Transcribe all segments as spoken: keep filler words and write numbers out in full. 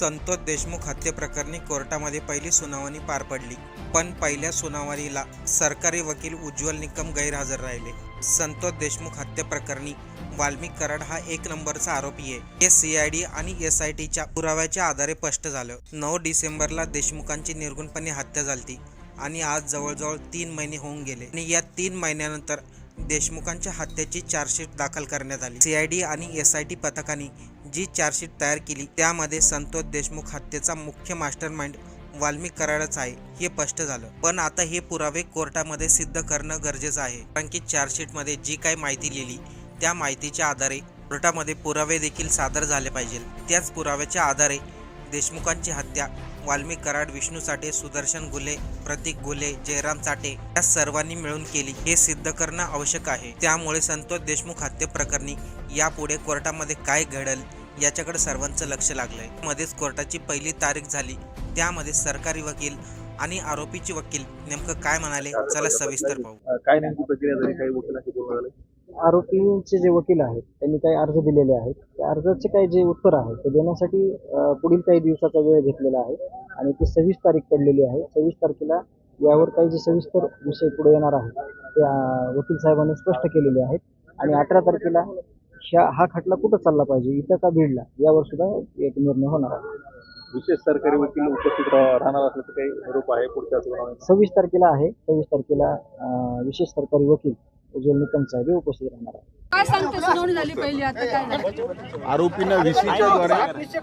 संतोष देशमुख हत्येप्रकरणी कोर्टामध्ये पहिली सुनावणी पार पडली, पण पहिल्या सुनावणीला सरकारी वकील उज्ज्वल निकम गैरहजर राहिले. संतोष देशमुख हत्येप्रकरणी वाल्मिक कराड हा एक नंबरचा आरोपी आहे, हे सीआयडी आणि एसआयटीच्या पुराव्याच्या आधारे स्पष्ट झालं. नऊ डिसेंबरला देशमुखांची निर्गुणपणे हत्या झाली आणि आज जवळजवळ तीन महिने होऊन गेले आणि या तीन महिन्यानंतर देशमुखांच्या हत्येची चार्जशीट दाखल करण्यात आली. सीआयडी आणि एसआयटी पथकाने जी चार्जशीट तयार केली त्यामध्ये संतोष देशमुख हत्येचा मुख्य मास्टरमाइंड वाल्मिक कराडच आहे हे स्पष्ट झालं. पण आता हे पुरावे कोर्टामध्ये सिद्ध करणं गरजेचं आहे, कारण की चार्जशीटमध्ये जी काही माहिती लिहिली त्या माहितीच्या आधारे कोर्टामध्ये पुरावे देखील सादर झाले पाहिजे. त्याच पुराव्याच्या आधारे देशमुखांची हत्या वाल्मिक कराड, विष्णू चाटे, सुदर्शन गुले, प्रतीक गुले, जयराम चाटे या सर्वांनी मिळून केली हे सिद्ध करणं आवश्यक आहे. त्यामुळे संतोष देशमुख हत्येप्रकरणी यापुढे कोर्टामध्ये काय घडेल याच्याकडे सर्वांचं लक्ष लागलंय. मध्येच कोर्टाची पहिली तारीख झाली, त्यामध्ये सरकारी वकील आणि आरोपीचे वकील नेमकं काय म्हणाले चला सविस्तर पाहू. काय नेमकी प्रक्रिया झाली, काही वकिलांशी बोलणं झालं? आरोपींचे जे वकील आहेत त्यांनी काही अर्ज दिलेले आहेत, त्या अर्जाचे काही जे उत्तर आहे ते देण्यासाठी पुढील काही दिवसाचा वेळ घेतलेला आहे आणि ती सव्वीस तारीख पडलेली आहे. सव्वीस तारखेला यावर काही जे सविस्तर विषय पुढे येणार आहे ते वकील साहेबांनी स्पष्ट केलेले आहेत आणि अठरा तारखेला ह्या हा खटला कुठं चालला पाहिजे, इथं का बीडला, यावर सुद्धा एक निर्णय होणार आहे. विशेष सरकारी वकील उपस्थित राहणार असल्याचं काही निरोप आहे पुढच्या सुनावणीत? सव्वीस तारखेला आहे. सव्वीस तारखेला विशेष सरकारी वकील उज्ज्वल निकम साहेब उपस्थित राहणार आहे. काय सांगते सुनावणी झाली पहिली, आता काय झालं? आरोपींना व्हीसीच्या द्वारे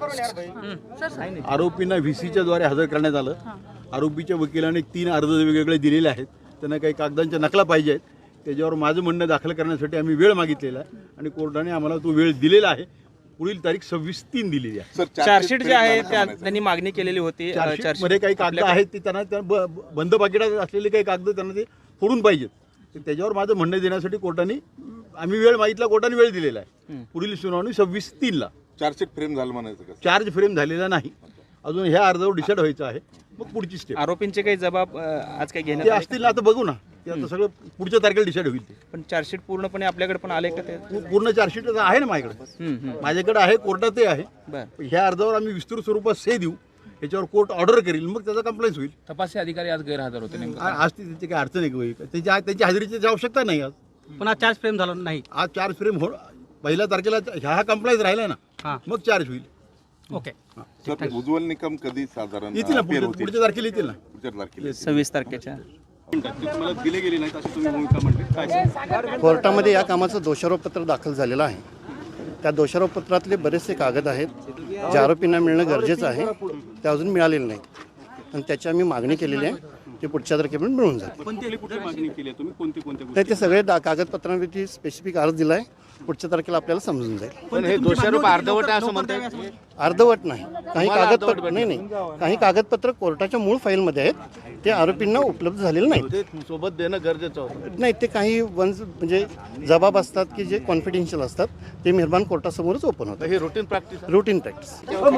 आरोपींना व्हीसीच्या द्वारे हजर करण्यात आलं. आरोपीच्या वकिलांनी तीन अर्ज वेगवेगळे दिलेले आहेत, त्यांना काही कागदांच्या नकला पाहिजे आहेत. त्याच्यावर माझं म्हणणं दाखल करण्यासाठी आम्ही वेळ मागितलेला आहे आणि कोर्टाने आम्हाला तो वेळ दिलेला आहे. पुढील तारीख सव्वीस तीन दिलेली आहे. चार्जशीट जे आहे त्यांनी मागणी केलेली होती. चार्जशीटमध्ये काही कागद आहेत ते त्यांना बंद पाकिटात असलेले काही कागद त्यांना ते फोडून पाहिजेत. त्याच्यावर माझं म्हणणं देण्यासाठी कोर्टाने आम्ही वेळ मागितला, कोर्टाने वेळ दिलेला आहे. पुढील सुनावणी सव्वीस तीनला. चार्जशीट फ्रेम झालं म्हणायचं का? चार्ज फ्रेम झालेला नाही अजून, ह्या अर्जावर डिसाईड व्हायचं आहे, मग पुढची स्टेप. आरोपींचे काही जबाब आज काही घेण्यात ते असतील ना, आता बघू ना, ते आता सगळं पुढच्या तारखेला डिसाईड होईल. ते पण चार्जशीट पूर्णपणे आपल्याकडे पण आले का? ते पूर्ण चार्जशीट आहे ना माझ्याकडे, माझ्याकडे आहे, कोर्टात ते आहे. ह्या अर्जावर आम्ही विस्तृत स्वरूपात से देऊ, याच्यावर कोर्ट ऑर्डर करेल, मग त्याचा कंप्लेंट होईल. तपासी अधिकारी आज गैरहजर होते नेमकं आज ती त्याची काही अडचण आहे का? त्याची त्यांची हजेरीची आवश्यकता नाही आज. पण आज चार्ज फ्रेम झाला नाही. आज चार्ज फ्रेम हो, पहिल्या तारखेला ह्या हा कंप्लेंट राहिला ना, मग चार्ज होईल. ओके. सर, उज्ज्वल निकम कधी साधारण येतील ना, पुढच्या पुढच्या तारखेला येतील ना. पुढच्या तारखेला सव्वीस तारखेच्या दिले गेले नाही अशी तुम्ही भूमिका म्हणते. कोर्टामध्ये या कामाचं दोषारोपपत्र दाखल झालेलं आहे. त्या दोषारोपपत्रातले बरेचसे कागद आहेत जे आरोपींना मिळणं गरजेचं आहे, ते अजून मिळालेलं नाही आणि त्याची आम्ही मागणी केलेली आहे. ते पुढच्या तारखेपर्यंत मिळून जाते. मागणी केली आहे तुम्ही, कोणती कोणती तर ते सगळे दा कागदपत्रांवरती स्पेसिफिक अर्ज दिला आहे, पुढच्या तारखेला आपल्याला समजून जाईल. पण हे दोषारोप अर्धवट आहे असं म्हणतात. अर्धवट नाही, काही कागदपत्र नाही नाही काही कागदपत्र कोर्टाच्या मूळ फाईलमध्ये आहेत, ते आरोपींना उपलब्ध झालेलं नाही. सोबत देणं गरजेचं होतं. नाही, ते काही वन्स म्हणजे जबाब असतात की जे कॉन्फिडेन्शियल असतात, ते मेहरबान कोर्टासमोरच ओपन होतं. हे रुटीन प्रॅक्टिस रुटीन प्रॅक्टिस.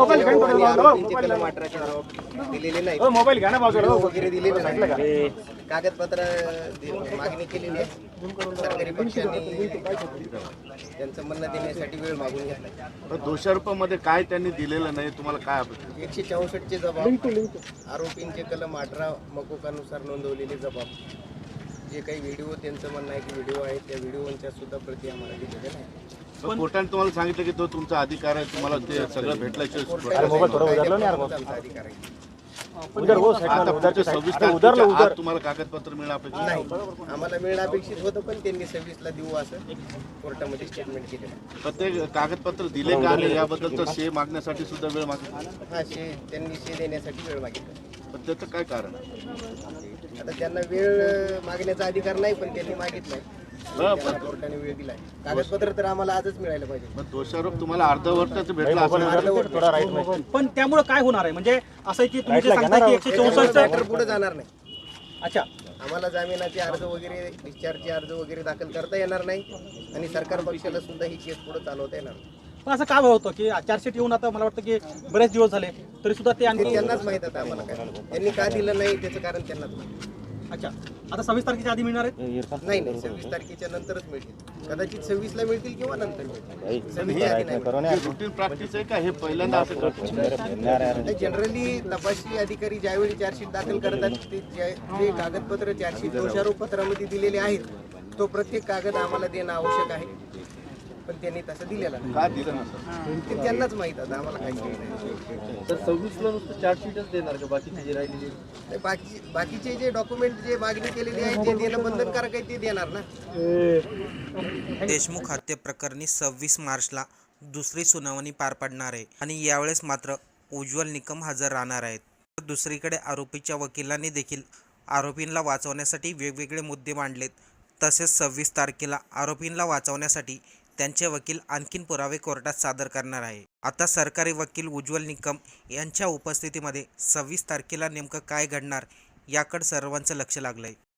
कागदपत्र मागणी केलेली आहे. सरकारी पक्षाने त्यांचं म्हणणं देण्यासाठी वेळ मागून घेतला. दोषारोपामध्ये काय त्यांनी दिलेलं नाही, तुम्हाला काय अपेक्षा? एकशे चौसष्टचे जबाब, आरोपींचे कलम अठरा मकोकानुसार नोंदवलेले जबाब, जे काही व्हिडिओ त्यांचं म्हणणं आहे की व्हिडिओ आहे, त्या व्हिडिओच्या सुद्धा प्रती आम्हाला दिलेल्या नाही. कोर्टाने तुम्हाला सांगितलं की तो तुमचा अधिकार आहे, तुम्हाला ते सगळं भेटल्याशिवाय अधिकार आहे. तुम्हाला कागदपत्र मिळणं अपेक्षित नाही, आम्हाला मिळणं अपेक्षित होतं, पण त्यांनी सव्वीसला देऊ असं कोर्टामध्ये स्टेटमेंट केलेलं. प्रत्येक कागदपत्र दिले का नाही याबद्दलचा शे मागण्यासाठी सुद्धा वेळ मागितला. हा, शे त्यांनी शे देण्यासाठी वेळ मागितला. पण त्याचं काय कारण? आता त्यांना वेळ मागण्याचा अधिकार नाही, पण त्यांनी मागितलाय, कोर्टाने वेळ दिलाय. कागदपत्र तर आम्हाला आजच मिळायला पाहिजे. पण दोषारोप तुम्हाला अर्धवर्षाचं भेटला असं. पण त्यामुळे काय होणार आहे? म्हणजे असं की तुम्ही जे सांगता की एकशे चौसष्ट पुढे जाणार नाही. अच्छा, आम्हाला जामिनाचे अर्ज वगैरे, डिस्चार्जचे अर्ज वगैरे दाखल करता येणार नाही आणि सरकार पक्षाला सुद्धा ही केस पुढे चालवता येणार नाही. पण असं काय होतं की चार्जशीट येऊन आता मला वाटतं की बरेच दिवस झाले तरी सुद्धा ते ते त्यांनाच माहित आहे. आम्हाला काय त्यांनी का दिलं नाही त्याचं कारण त्यांनाच माहिती. अच्छा, आता सव्वीस तारखेच्या आधी मिळणार आहेत? नाही नाही सव्वीस तारखेच्या नंतरच मिळतील. कदाचित सव्वीसला मिळतील किंवा नंतर मिळतील. सव्वीसच्या आधी नाही मिळतील. रुटीन प्रॅक्टिस आहे का हे पहिल्यांदा असं करतो? जनरली तपासणी अधिकारी ज्यावेळी चार्जशीट दाखल करतात ते ज्या- जे कागदपत्र चार्जशीट दोषारोप पत्रामध्ये दिलेले आहेत तो प्रत्येक कागद आम्हाला देणं आवश्यक आहे, पण त्यांनी तसं दिलेला नाही. का दिलं नसेल? ते त्यांनाच माहीत आता, आम्हाला काही माहित नाही. तर सव्वीसला नुसतं चार्जशीटच देणार का बाकीची जी राहिलेली ते बाकी बाकीचे जे डॉक्युमेंट जे मागणी केलेली आहे ते देणं बंधनकारक आहे ते देणार ना. देशमुख हत्ये प्रकरणी सव्वीस मार्चला दुसरी सुनावणी पार पडणार आहे आणि यावेळेस मात्र उज्ज्वल निकम हजर राहणार आहेत. तर दुसरीकडे आरोपीच्या वकिलांनी देखील आरोपींना वाचवण्यासाठी वेगवेगळे मुद्दे मांडलेत. तसेच सव्वीस तारखेला आरोपींना वाचवण्यासाठी त्यांचे वकील आणखीन पुरावे कोर्टात सादर करणार आहे. आता सरकारी वकील उज्ज्वल निकम यांच्या उपस्थितीमध्ये सव्वीस तारखेला नेमकं काय घडणार याकडे सर्वांचं लक्ष लागलंय.